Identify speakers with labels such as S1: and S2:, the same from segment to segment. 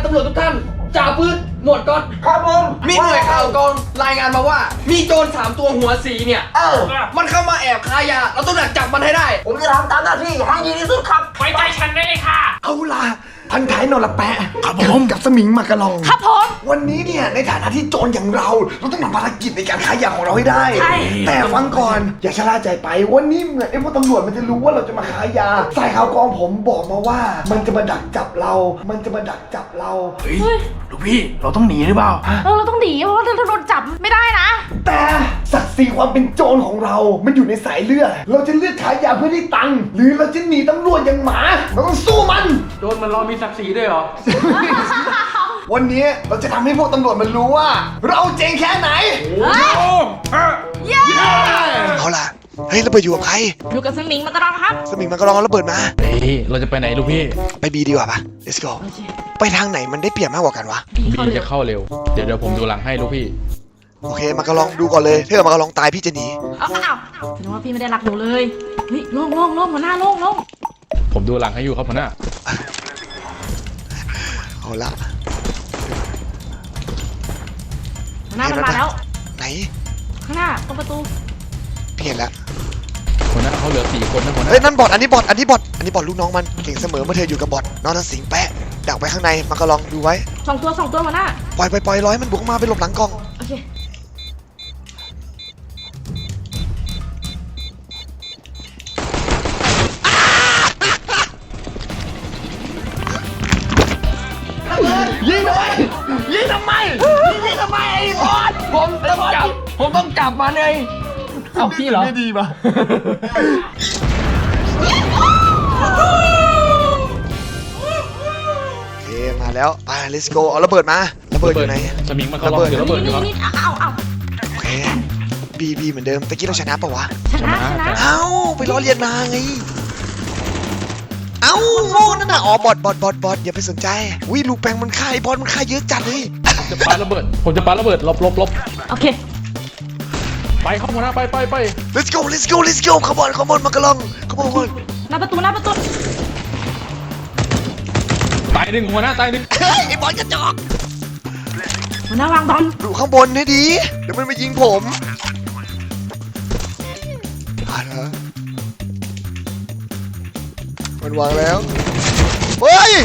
S1: ตำรวจทุกท่านจ่าปืนหมวดก๊อตครับผมมีหน่วยข่าวกองรายงานมาว่ามีโจร3 ตัวหัวสีเนี่ยมันเข้ามาแอบค้ายาเราต้องดักจับมันให้ได้
S2: ผมจะทำตามหน้าที่ให้ดีที่สุดครับ
S3: ไว้ใจฉันได้เลยค่ะ
S4: เอาล่ะพันท้ายนรแปะครับผมกับสมิงมากระลอง
S5: ครับผม
S4: วันนี้เนี่ยในฐานะที่โจรอย่างเราต้องทำภารกิจในการค้ายาของเราให้ได้แต่ฟังก่อนอย่าชะล่าใจไปวันนี้เหมือนไอ้พวกตำรวจมันจะรู้ว่าเราจะมาค้ายาสายข่าวกองผมบอกมาว่ามันจะมาดักจับเรา
S1: เฮ้ยลูกพี่เราต้องหนีหรือเปล่า
S5: เราต้องหนีเพราะว่าเราโดนจับไม่ได้นะ
S4: แต่ศักดิ์ศรีความเป็นโจรของเรามันอยู่ในสายเลือดเราจะเลือกขายยาเพื่อได้ตังค์หรือเราจะหนีตำรวจอย่างหมาเราต้องสู้มัน
S1: โจรมันรอมีศักดิ์ศรีด้วยเหรอ
S4: วันนี้เราจะทำให้พวกตำรวจมันรู้ว่าเราเจ๋งแค่ไหนเอาล่ะเฮ้ยระเบิดอยู่กับใคร
S5: อยู่กับสมิงมากระรองครับ
S4: สมิงมันก็ลองเอาระเบิดมา
S1: เฮ้ยเราจะไปไหนลูกพี่
S4: ไปบีดีกว่าปะ let's go ไปทางไหนมันได้เปรียบมากกว่ากันวะ
S1: บีจะเข้าเร็วเดี๋ยวผมดูหลังให้ลูกพี่
S4: โอเคมันก็ลองดูก่อนเลยถ้าเกิดมันก็ลองตายพี่จะหนี
S5: เอานึกว่าพี่ไม่ได้รักหนูเลยเฮ้ยลงหัวหน้าลง
S1: ผมดูหลังให้อยู่ครับหัวหน้า
S4: เอาละ
S5: หัวหน้ามันมาแล้ว
S4: ไหน
S5: ข้างหน้าตรงประตู
S4: เพี้ยนแล้ว
S1: หัวหน้าเขาเหลือ4 คนนะหัวหน้า
S4: เฮ้ยนั่นบอทอันนี้บอทลูกน้องมันเก่งเสมอเมื่อเธออยู่กับบอทน้องทั้งสิงแปะดักไว้ข้างในมันก็ลองดูไว้
S5: 2 ตัวหัวหน้า
S4: ปล่อยร้อยมันบุกมาไปหลบหลังกล้อง
S5: โอเค
S4: ยิงทำไมไอ้บอส
S1: ผมต้องจับมันเลยเอาพี่เหรอ
S4: ไม่ดีป่ะโอเคมาแล้วไป let's go เอาระเบิดมาระเบิดอยู่ไหน
S1: สมิงมันก็ลองถือระเบิดอยู่ครับ
S5: เอา
S4: โอเคบีเหมือนเดิมตะกี้เราชนะปะวะ
S5: ชนะ
S4: เอ้าไปล้อเลียนมาไงเอ้าโง่นั่นน่ะอ๋อบอทอย่าไปสนใจวิลูกแปงมันฆ่าไอ้บอสมันฆ่าเยอะจัดเลย
S1: ผมจะปาระเบิดลบ
S5: โอเค
S1: ไปเข้าหัวหน้าไป
S4: let's go ขบวนมากระลองขบวน
S5: หน้าประตู
S1: ตาย1หัวหน้าตาย1
S4: ไอ้บอสกระจอก
S5: หัวหน้าวางบอล
S4: ดูข้างบนให้ดีเดี๋ยวมันมายิงผมมันวางแล้วเฮ้ย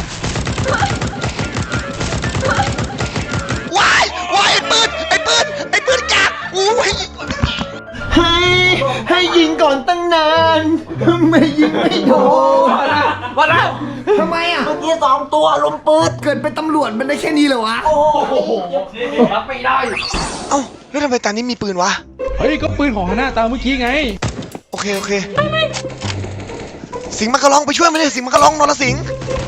S4: ว้ายไอ้ปืนกากอู้ยให้ยิงก่อนตั้งนานไม่ยิงไม่โดน
S1: มาแล้ว
S4: ทำไมอ่ะ
S2: เมื่อกี้2 ตัวลมปืน
S4: เกิดเป็นตำรวจมันได้แค่นี้เลยวะ
S2: โอ้โห
S1: รับไม่ได้
S4: เอ้าแล้วทำไมตานี้มีปืนวะ
S1: เฮ้ยก็ปืนของหัวหน้าตาเมื่อกี้ไง
S4: โอเคสิงห์มันก็ลองไปช่วยมันเลยสิงห์มันก็ลองนรสิงห์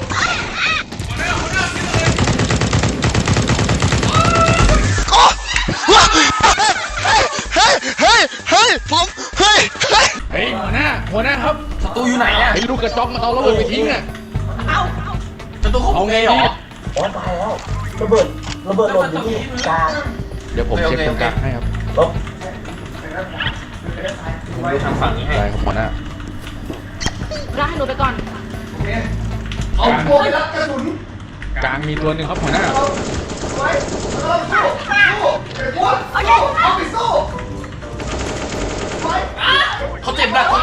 S4: เฮ้ยผมเฮ้ย
S1: หัวหน้าครับศัตรูอยู่ไหนอ่ะไอ้ลูกกระจอกมาเอาระเบิดไปทิ้งอ่ะศัตรูเอาไงหรอ
S2: ตายแล้วระเบิดหล่นอยู่ที่กลาง
S1: เดี๋ยวผมเช็คตรงกลางให้ครับผมดูทางฝั่งนี้ให้ได้ครับหัวหน้า
S5: ให้หนูไปก่อน
S4: เอาตัวไปรับกระสุน
S1: กลางมีตัวหนึ่งครับหัวหน้าเขาเจ็บหนัก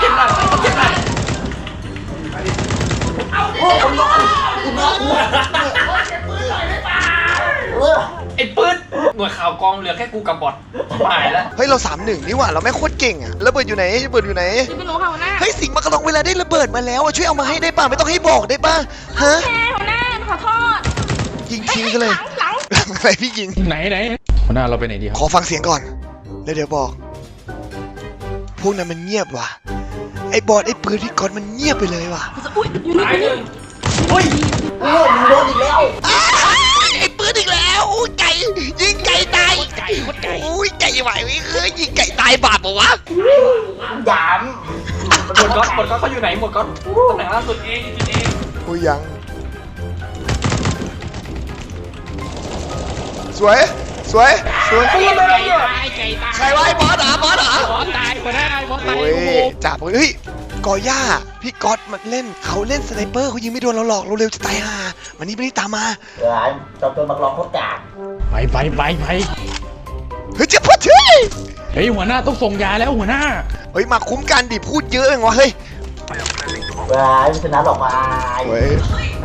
S1: ไอ้ปืนหน่วยข่าวกองเหลือแค่กูกับบอทหายแล้ว
S4: เฮ้ยเรา3-1นี่หว่าเราไม่โคตรเก่งอะระเบิดอยู่ไหน
S5: ไม่รู้ค่ะหัวหน้า
S4: เฮ้ยสิงห์มากระลองเวลาได้ระเบิดมาแล้วช่วยเอามาให้ได้ป่ะไม่ต้องให้บอกได้ป่ะฮะ
S5: หัวหน้าขอโทษ
S4: ยิงทิ้งกันเลยหลังอะไรพี่ยิง
S1: ไหนหัวหน้าเราไปไหนดีครับ
S4: ขอฟังเสียงก่อนแล้วเดี๋ยวบอกพวกนั้นมันเงียบว่ะไอ้บอสไอ้ปืนพี่ก๊อตมันเงียบไปเลยว่ะ
S5: อยู่นี่
S2: อุ้ยโดนอีกแล้ว
S4: ไอ้ปืนอีกแล้วอุ้ยไก่ยิงไก่ตายอุ้ยไก่ไหวเคยยิงไก่ตายบาปปะวะ
S2: หยาม
S1: หมดก๊อตเขาอยู่ไหนหมดก๊อตตำแหน่งล่าสุดเอง
S4: อุ้ยยังสวยใครวะไอ้บอสเหรอบอสตาย
S1: คนได้บอสตาย
S4: จับเฮ้ยกอย่าพี่ก๊อตมันเล่นเขาเล่นสไนเปอร์เขายิงไม่โดนเราหรอกเราเร็วจะตายห่าวันนี้ไม่ได้ตามมา
S2: จอมโจรบักลองโคตรกาก
S3: ไป
S4: เฮ้ยเจ็บปวดเฮ้ย
S3: เฮ้ยหัวหน้าต้องส่งยาแล้วหัวหน้า
S4: เฮ้ยมาคุ้มกันดิพูดเยอะเองวะเฮ้ย
S2: ไม่ชนะหรอกวาย
S4: เฮ้ย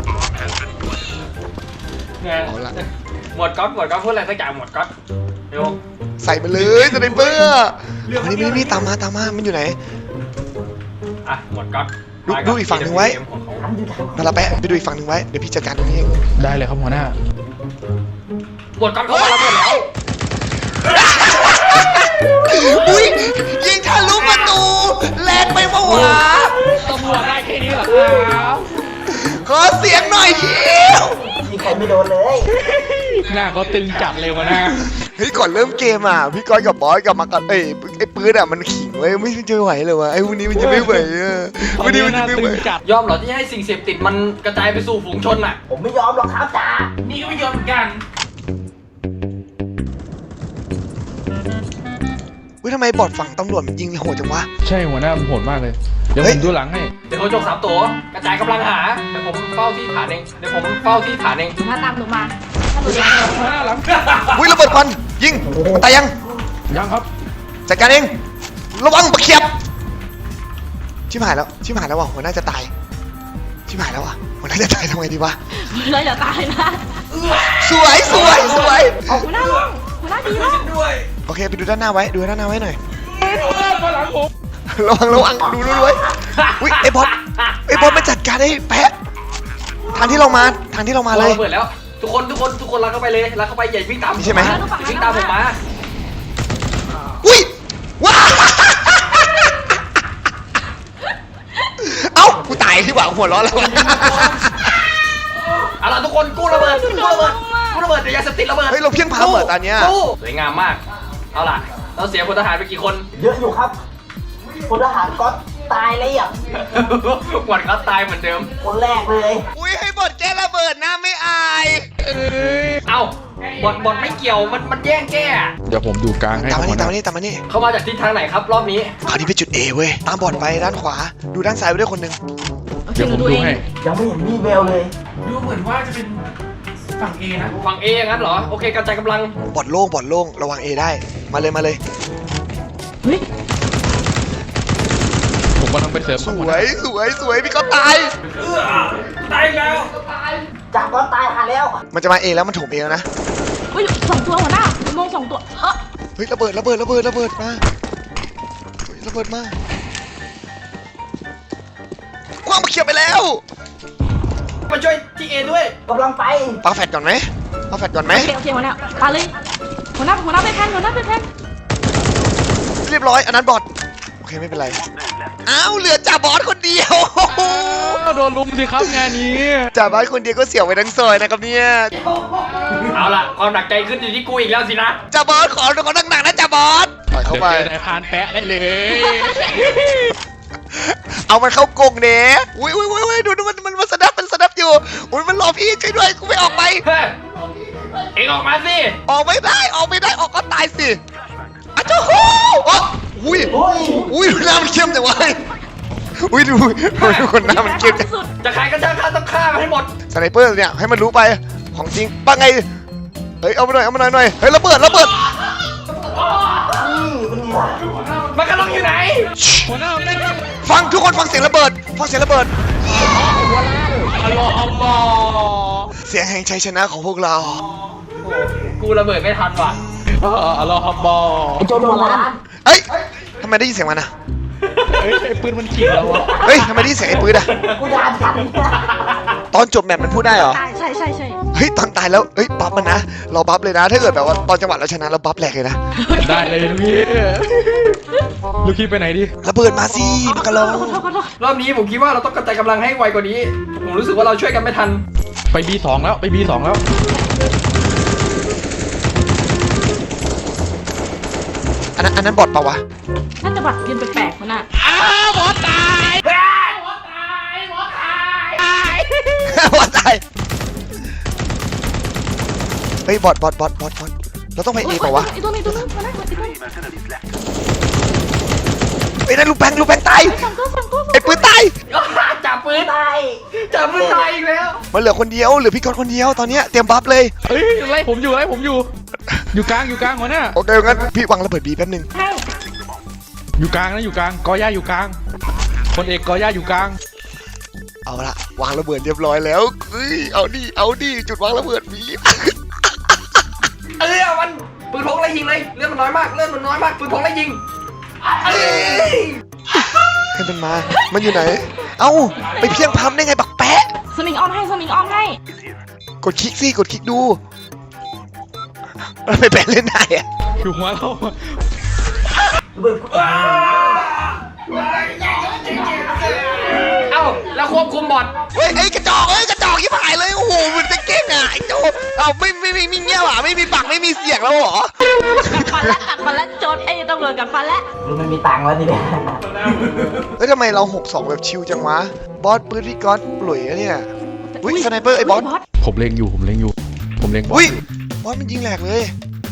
S1: เนี่ย
S4: เอาละ
S1: หมวดก๊อตพูดอะไรสักอย่างหมวดก๊อตเดี๋ยว
S4: ใส่มาเลยสไนเปอร์นี่ตามมามันอยู่ไหน
S1: อ่ะหมวดก๊อต
S4: ดูอีกฝั่งหนึ่งไว้
S1: ของเขา
S4: มาละแปะไปดูอีกฝั่งหนึ่งไว้เดี๋ยวพี่จัดการตรงนี้เอง
S3: ได้เลยครับหัวหน้า
S1: หมวดก๊อตเขามาแล้วหมดแล้ว
S4: อุ้ยยิงทะลุประตูแรงไปปะวะ
S3: ตำรวจได้แค่นี้เหรอครับ
S4: ขอเสียงหน่อยเชียว
S2: มีใครไม่โดนเลย
S3: หน้าเขาตึงจัดเลยหัวหน้า
S4: เฮ้ยก่อนเริ่มเกมอ่ะพี่ก้อยกับบอสกับมากันไอ้ปืนอ่ะมันขิงไว้ไม่จะไหวเลยวะไอ้พวกนี้มันจะไม่ไหวอ่ะพวกนี้มันจะไม่ไหว
S3: จัด
S1: ยอมเหรอที่ให้สิ่งเสพติดมันกระจายไปสู่ฝูงชนอ่ะ
S2: ผมไม่ยอมหรอกครับจ่า
S1: นี่ก็ไม่ยอมเหมือนกัน
S4: เฮ้ยทำไมบอดฝั่งตำรวจมันยิงโหดจังวะ
S3: ใช่หัวหน้าโหดมากเลย เดี๋ยว
S4: เฮ้
S3: ผ
S4: ย
S3: มดูหลังให้
S1: เดี๋ยวเขาจก3ตัวกระจายกำลังหาเดี๋ยวผมเฝ้าที่ฐานเอง
S5: หัวหน้าตามหนูมาถ้าหนูจะ
S3: หัวหน้าหลัง
S4: อุ้ยระเบิดควันยิงมันตายยัง
S3: ยังครับ
S4: จัดการเองระวังบักเขียบชิบหายแล้วว่ะหัวหน้าจะตายชิบหายแล้วว่ะหัวหน้าจะตายทำไงดีวะ
S5: เราอย่าตายนะ
S4: สวย
S5: หัวหน้าลงหัวหน้าดีแล้ว
S4: โอเคไปดูด้านหน้าไว้ดูด้านหน้าไว้หน่อย
S3: มาหลังผม
S4: ระวังดูไว้อุ้ยไอ้บอสมาจัดการไอ้แพะทางที่เรามาเลย
S1: เปิดแล้วทุกคนรักเข้าไปเลยรักเข้าไปอย่าวิ่งตาม
S4: ใช่ไหม
S1: อย่าวิ่งตามผมมา
S4: อุ้ยว้าเอ้ากูตายที่หวังหัวร้อนแล้ว
S1: เอาล่ะทุกคนกู้ระเบิดเดี๋ยวยาเสพติดระเบิด
S4: เฮ้ยเราเพี้ยงพาเหมือนตอนเนี้ย
S1: กู้สวยงามมากเอาล่ะเราเสียพลทหารไปกี่คน
S2: เยอะอยู่ครับพลทหารก๊อตตายเลยอ่ะ
S1: หวัดเขาตายเหมือนเดิม
S2: คนแรกเลย
S4: อุ้ยให้บอดแก้ระเบิดนะไม่อาย
S1: เอ้าบอดไม่เกี่ยวมันแย่งแก้
S3: เดี๋ยวผมดูกลางให้
S4: ตามมา
S3: หัวห
S4: นี่
S3: น้า
S4: ตามมานี่
S1: เขามาจากทิศทางไหนครับรอบนี้
S4: คราวนี้ไปจุด A เว้ยตามบอดไปด้านขวาดูด้านซ้ายไปด้วยคนหนึ่ง
S5: โอเค
S3: เดี๋ยว
S5: ห
S3: ผ
S5: นู
S3: ม
S5: ดู
S3: ดู
S5: เอง
S3: ให้
S2: ยังไม่เห็นมีเบลเลย
S1: ดูเหมือนว่าจะเป็นฝั่ง A นะฝั่ง A อย่างนั้นเหรอโอเคกระจายกำลัง
S4: บอดโล่งระวัง A ได้มาเลย
S5: เฮ้ย
S3: ผมกำลังไปเสริม
S4: สวยพี่ก็ตาย
S1: ตายแล้ว
S2: จ่าก๊อตตายหาแล้ว
S4: มันจะมา A แล้วมันโถม A แล้วนะ
S5: เฮ้ย2 ตัวหัวหน้าหนูมอง2 ตัว
S4: เฮ้ยระเบิดมาเฮ้ยระเบิดมาคว้างมาเขียบไปแล้ว
S1: มาช่วยที่ A ด้วย
S2: กำลังไป
S4: ปาแฟดก่อนไหม
S5: โอเคหัวหน้าปาเลยหัวหน้าไปแทน
S4: เรียบร้อยอันนั้นบอดโอเคไม่เป็นไรอ้าวเหลือจ่าบอสคนเดียว
S3: โดนลุมสิครับงานนี้
S4: จ่าบอสคนเดียวก็เสียวไปทั้งซอยนะครับเนี่ย
S1: เอาล่ะความหนักใจขึ้นอยู่ที่กูอีกแล้วสินะ
S4: จ่าบอสขอหนักๆนะจ่าบอสปล่อยเข้า
S3: เดี๋ยว
S4: ไป
S3: เจอนายพรานแปะได้เลย
S4: เอามันเข้ากรงเด้อุ้ยดูมันสนับอยู่อุ้ยมันรอพี่ช่วยด้วยกูไม่ออกไป
S1: เฮ้ยเอ็งออกมาสิ
S4: ออกไม่ได้ออกก็ตายสิอ้าวโจ้โหอุ้ยดูหน้ามันเข้มจังวะอุ้ยดูคนหน้ามันเข้มจัง
S5: สุด
S1: จะขายกระชากข้าต้องฆ่ามันให้หมด
S4: สไนเปอร์เนี่ยให้มันรู้ไปของจริงป้าไงเฮ้ยเอามาหน่อยเฮ้ยระเบิด
S2: นี่เป็นไง
S1: มันกำลังอยู่ไหน
S3: หัวหน้าไม่ได้
S4: ฟังทุกคนฟังเสียงระเบิด
S3: อารอฮ์บอ
S4: เสียงแห่งชัยชนะของพวกเรา
S1: กูระเบิดไม่ทันว่ะ
S3: อารอฮ์บอ
S2: โจรหัวล้าน
S4: เฮ้ยทำไมได้ยินเสียงมันอ่ะ
S3: เฮ้ยไอ้ปืนมันขิงเราอะ
S4: เฮ้ยทำไมได้ยินเสียงไอ้ปืนอ่ะ
S2: กูด่าทัน
S4: ตอนจบแมปมันพูดได้เหรอ
S5: ตายใช่
S4: เฮ้ยตอนตายแล้วเฮ้ยบัฟมันนะเราบัฟเลยนะถ้าเกิดแบบว่าตอนจังหวะเราชนะเราบัฟแหลกเลยนะ
S3: ได้เลยลูกพี่ลูกพี่ไปไหนดิ
S4: ระเบิดมาสิมากระลอง
S5: ขอโทษ
S1: รอบนี้ผมคิดว่าเราต้องกระจายกำลังให้ไวกว่านี้ ผมรู้สึกว่าเราช่วยกันไม่ทัน
S3: ไป B2 แล้วไป B2 แล้ว
S4: อันนั้นบอทเปล่าวะ
S5: น่าจะบัตรเรียนแปลกๆหัวหน้า
S4: บอทตายเฮ้ยบอทเราต้องไปเอเปล่าวะ
S5: ไอ้ตัวนี้หัวหน้าไอ้ตัวนี้
S4: ไอ้นั่นลูกแบงตาย
S5: สองตัวสองตัว
S4: ไอ้ปืนตาย
S1: จับปืนตายจับปืนตายอีกแล้ว
S4: มันเหลือคนเดียวเหลือพี่ก๊อตคนเดียวตอนเนี้ยเตรียมบัฟเลย
S3: เฮ้ยไล่ผมอยู่อยู่กลางหัวหน้า
S4: โอเคงั้นพี่วางระเบิดบีแป๊บนึง
S5: ใช่
S3: อยู่กลางนะอยู่กลางกอย่าอยู่กลางคนเอกกอย่าอยู่กลาง
S4: เอาละวางระเบิดเรียบร้อยแล้วเฮ้ยเอาดิจุดวางระเบิดบี
S1: เอามันปืนพกไล่ยิงเลยเลือดมันน้อยมากปืนพกไล่ยิงเอ้ย
S4: ให้มันมามันอยู่ไหนเอ้าไปเพียงพัมได้ไงบักแปะ
S5: สมิงออมให้
S4: กดคลิกสิกดคลิกดูมันไม่แปะเล่นได้อะ
S3: อยู่หัวเรา
S1: เอ้าแล้วควบคุมบอท
S4: เฮ้ยไอ้กระจอกยิ่งหายเลยโอ้โหมันจะเก่งอ่ะไอ้โจเอาไม่มีเงี้ยหรอไม่มีปากไม่มีเสียงแล้วเหรอ
S5: กัดฟันแล้วโจรไอ้ตำรวจกัดฟันแล้ว
S2: มันมีตังค์แล้วทีเดียว
S4: เฮ้ยทำไมเรา6-2แบบชิลจังวะบอสปืนพี่ก๊อตปลุยอะเนี่ยอุ้ยสไนเปอร์ไอ้บอส
S3: ผมเล็งผมเล็งบอส
S4: อุ้ยบอสมันยิงแหลกเลย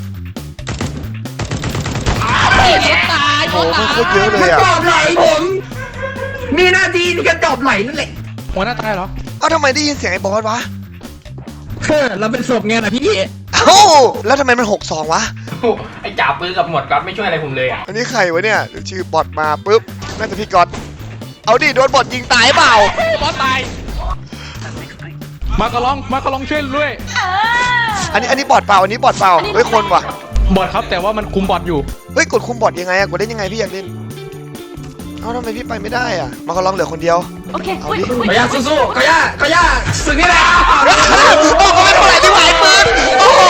S4: โอ้โหมันโคตรเยอะเลยอ่ะ
S1: จอบไหลผมมีหน้าที่ที่จะจอบไหลนั่นแหละ
S3: หัวหน้าตายเหรอ
S4: เอ้าทำไมได้ยินเสียงไอ้บอสวะ
S1: เราเป็นศพไงนะพี่
S4: เอ้าแล้วทำไมมัน6-2วะ
S1: ไอ้จ่าปืนกับหมวดก๊อตไม่ช่วยอะไรผมเลยอ่ะ
S4: อันนี้ใครวะเนี่ยเดี๋ยวชื่อบอทมาปุ๊บน่าจะพี่ก๊อตเอาดิโดนบอทยิงตายเปล่า
S3: บอสตายมากระลองช่วยด้วย
S4: อันนี้บอทเปล่าอันนี้บอทเปล่าเฮ้ยคนว่ะ
S3: บอสครับแต่ว่ามันคุมบอสอยู่
S4: เฮ้ยกดคุมบอทยังไงอะกดเล่นยังไงพี่อยากเล่นเอ้าทำไมพี่ไปไม่ได้อะมาก็ลองเหลือคนเดียว
S5: โอเค
S4: เอาดิ
S1: ขย่าสู้ๆขย่าสึกนี่แหละ
S4: โอ้โหไม่เท่าไหร่ที่ไหวปืนโอ้โห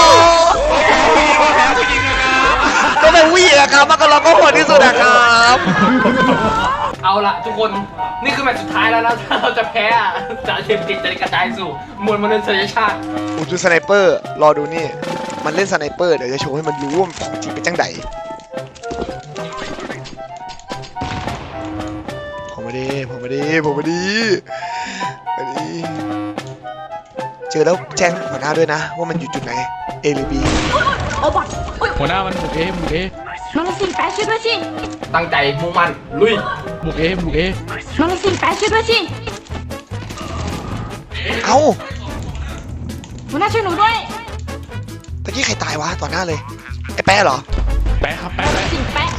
S4: ก็เป็นวิ่งอะครับมาก็ลองก็โหดที่สุดอะครับ
S1: เอาละทุกคนนี่คือแมตช์สุดท้ายแล้วนะถ้าเราจะแพ้อะสารเสพติดจะกระจายสู่มวลมนุษยชาติ
S4: ผมดูสไนเปอร์รอดูนี่มันเล่นสไนเปอร์เดี๋ยวจะโชว์ให้มันรู้ว่ามันของจริงเป็นจังไดผมไม่ดีเจอแล้วแจ้งหัวหน้าด้วยนะว่ามันอยู่จุดไหน A หรือ B
S5: โอ้บอดอุ้ย
S3: หัวหน้ามันบุกเอ
S5: มาละสิแปะช่วยด้วยสิ
S1: ตั้งใจมุ่งมั่นลุย
S3: บุกเอ
S5: มาละสิแปะช่วยด้วยสิ
S4: เอ้า
S5: หัวหน้าช่วยหนูด้วย
S4: ตะกี้ใครตายวะต่อหน้าเลยไอ้แป๊ะเหรอ
S3: แปะครับแปะ
S5: สิแปะ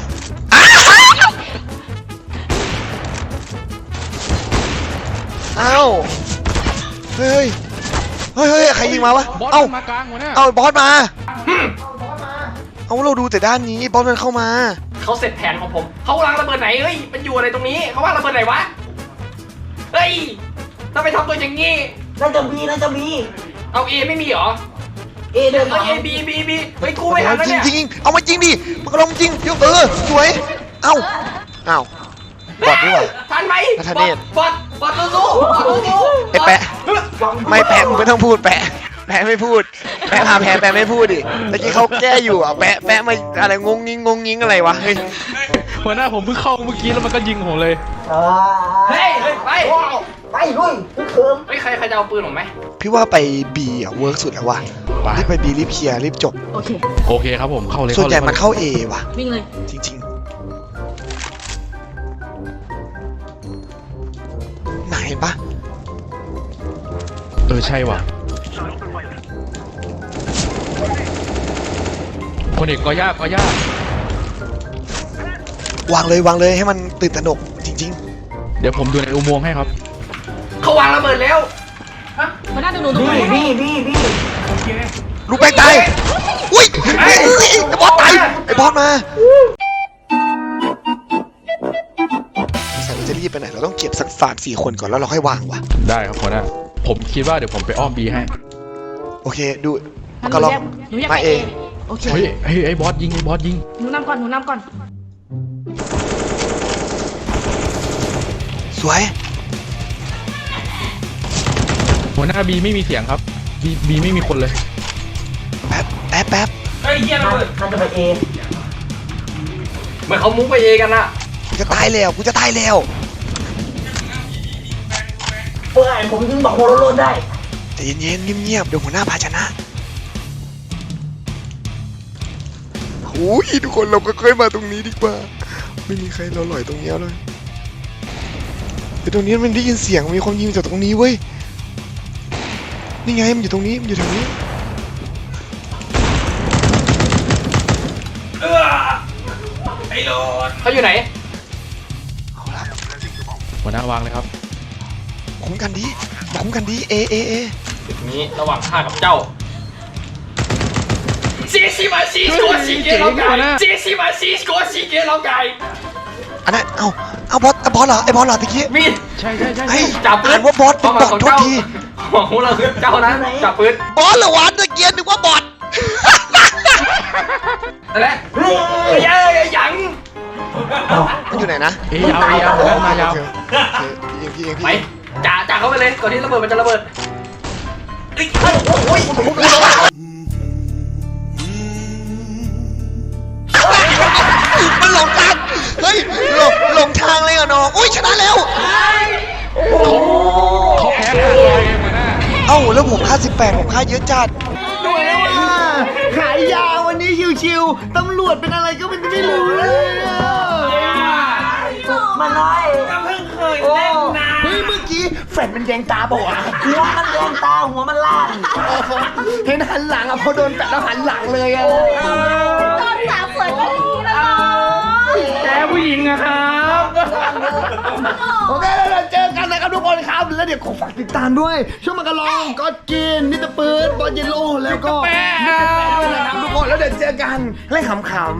S4: เอ้าเฮ้ยใครยิงมาวะ
S3: บอส
S4: เอ้า
S3: มากลางหัวหน้า
S4: เอาบอสมาเอาเราดูแต่ด้านนี้บอสมันเข้ามา
S1: เขาเสร็จแผนของผมเขาวางระเบิดไหนเฮ้ยมันอยู่อะไรตรงนี้เขาวางระเบิดไหนวะเฮ้ยทำไมทำตัวอย่างงี้
S2: น่าจะมี
S1: เอาเอไม่มีเหรอ
S2: เอเดิน
S1: เอบีเฮ้ยกูไม่ทันแล้วเนี่ย
S4: จริงเอามาจริงดิมันก็ลงจริงเดี๋ยวสวยเอ้าบอดด้วย
S1: ทันไหม
S4: นัทเนศ
S1: บอดสู้ๆ
S4: ไอ้แปะไม่แปะมึงไม่ต้องพูดแปะไม่พูดแปะพาแพ้แปะไม่พูดดิตะกี้เขาแก้อยู่อ่ะแปะมาอะไรงงงิงอะไรวะเฮ้ย
S3: หัวหน้าผมเพิ่งเข้าเมื่อกี้แล้วมันก็ยิงผมเลย
S1: เฮ้ยไป
S2: ไปลุยเคิม
S1: เฮ้ยใครจะเอาปืนผมไหม
S4: พี่ว่าไป B อ่ะเวิร์กสุดแล้วว่ะ
S3: ไป
S4: รีบไป B รีบเคลียร์รีบจบ
S5: โอเค
S3: โอเคครับผมเข้าเลย
S4: ส่วนใหญ่มันเข้า A ว่ะ
S5: วิ่งเลย
S4: จริงๆไหนปะ
S3: ใช่ว่ะคนเอกกอย่าว
S4: างเลยให้มันตื่นตระหนกจริง
S3: เดี๋ยวผมดูในอุโมงค์ให้ครับ
S1: เขาวางระเบิดแล้ว
S5: หัวหน้าดูหนูตรง
S2: พี่
S5: นี้
S4: ๆลูกแป้งตายอุ้ยไอ้บอสตายไอ้บอสมาเราจะรีบไปไหนเราต้องเก็บสัก3-4 คนก่อนแล้วเราค่อยวางว่ะ
S3: ได้ครับหัวหน้าผมคิดว่าเดี๋ยวผมไปอ้อมบีให้
S4: โอเคดู
S5: หนู
S4: ก็ลอง
S5: หนูอยาก
S4: มา
S5: ไป
S4: เอ
S5: เอง โอเค
S3: เฮ้ยไอ้บอสยิง
S5: หนูนำก่อน
S4: สวย
S3: หัวหน้าบีไม่มีเสียงครับบีไม่มีคนเลย
S4: แป๊บ
S1: เฮ้ยเฮียระเบิด
S2: มันจะไปเอ
S1: เหมือนเขามุ้งไปเอกันน่ะ
S4: กูจะตายแล้ว
S2: เพื่อผมยิงบอกโฮโลโลได้
S4: แต่เย็นๆเงียบๆเดี๋ยวหัวหน้าพาชนะโอ้ยทุกคนเราก็เคยมาตรงนี้ดีกว่าไม่มีใครเราหลอยตรงเนี้ยเลยแต่ตรงนี้มันได้ยินเสียงมีคนยิงจากตรงนี้เว้ยนี่ไงมันอยู่ตรงนี้มันอยู่แถวนี้
S1: เขาอยู่ไหน
S4: เอาละ
S3: หัวหน้าวางเลยครับ
S4: คุ้มกันดีคุ้มกันดีเอ
S1: จุดนี้ระหว่างข้ากับเจ้าซีซีมาซีสโกซีเกลองไก่ซีซีมาซีสโกซีเกลองไก่
S4: อันนั้นเอาบอสเหรอไอ้บอสเหรอตะกี้
S1: มีด
S3: ใช่
S4: ไอ้
S1: จับปืน
S4: อ่านว่าบอสเป็นบอส
S1: ของ
S4: โทษ
S1: เจ้า
S4: ที
S1: ของเราคือเจ้านะจับปืน
S4: บอสเหรอวะตะเกียนนึกว่าบอส
S1: นั่นแหละเย้ยัง
S4: มันอยู่ไหนนะ
S3: เอยาวหัวหน้ามายาว
S4: พี่เอง
S1: ไปจ่าเข้าไปเลยก่อนที่ระเบิดมันจะระเบิด
S4: มันหลงทางเฮ้ยหลงทางเลยเหรอน้องอุ้ยชนะแล้ว
S3: เขาแพ้ขาดลอยไงหัวหน้า
S4: เอ้าแล้วผมค่า18ผมค่าเยอะจัด
S2: ด้วยแล้วว่าขายยาวันนี้ชิวๆตำรวจเป็นอะไรก็ไม่รู้เลยมาน้อยก็เพิ่งเคยเล่นนะเฮ้ยเมื่อกี้แฟนมันแยงตาบอกอ่ะหัวมันแยงตาหัวมันล่างเห็นหันหลังอ่ะพอโดนแฟนแล้วหันหลังเลยอ่ะ
S5: ตอนสาวสวยก็อย่างนี้นะน้อง
S1: แกผู้หญิงนะครับ
S2: โอเคแล้วเราเจอกันนะครับทุกคนครับแล้วเดี๋ยวขอฝากติดตามด้วยช่วงมากระลองก็กินนิตปืนบอลเยลโล่แล้วก็มิสเตอร์แปะด้วยนะครับทุกคนแล้วเดี๋ยวเจอกันเล่นขำๆ